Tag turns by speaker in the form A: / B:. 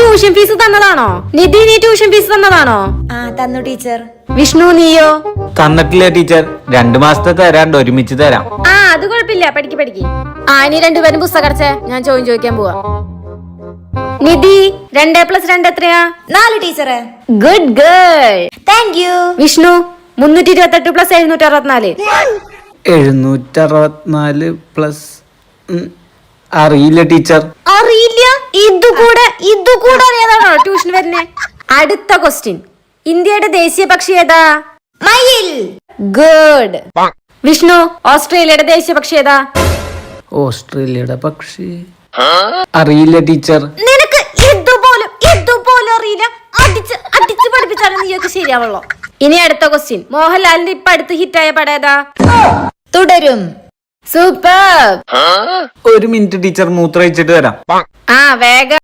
A: Tuition fees തന്നതാണോ? നിധി, നീ tuition fees തന്നതാണോ?
B: തന്നു teacher.
A: Vishnu, നീയോ?
C: തന്നിട്ടില്ല ടീച്ചർ, 2 മാസത്തെ തരാണ്ട് ഒരുമിച്ച് തരാം.
A: അത് കുഴപ്പമില്ല, പഠിക്ക്. ഇനി രണ്ടുപേരും പുസ്തകം അടച്ചേ, ഞാൻ ചോദിക്കാൻ പോവാ. നിധി, 2+2 എത്രയാ?
B: 4 ടീച്ചറെ.
A: Good girl.
B: Thank you.
A: Vishnu, 328 + 764.
C: 764 plus അറിയില്ല ടീച്ചർ.
A: അറിയില്ല? ഇതുകൂടെ അറിയാതാണോ ട്യൂഷൻ വരുന്നേ? അടുത്ത ക്വസ്റ്റ്യൻ. ഇന്ത്യയുടെ ദേശീയ പക്ഷി ഏതാ?
B: മയിൽ.
A: ഗുഡ്. വിഷ്ണു, ഓസ്ട്രേലിയയുടെ ദേശീയ പക്ഷി ഏതാ?
C: ഓസ്ട്രേലിയയുടെ പക്ഷി അറിയില്ല ടീച്ചർ.
A: നിനക്ക് ഇതുപോലും അറിയില്ല? അടിച്ച് പഠിപ്പിച്ചാലും നീയൊക്കെ ശരിയാവുള്ളൂ. ഇനി അടുത്ത ക്വസ്റ്റ്യൻ. മോഹൻലാലിന്റെ ഇപ്പൊ അടുത്ത് ഹിറ്റായ പടം ഏതാ?
B: തുടരും.
A: സൂപ്പർ.
C: 1 മിനിറ്റ് ടീച്ചർ, മൂത്രമൊഴിച്ചിട്ട് വരാം.
A: വേഗം.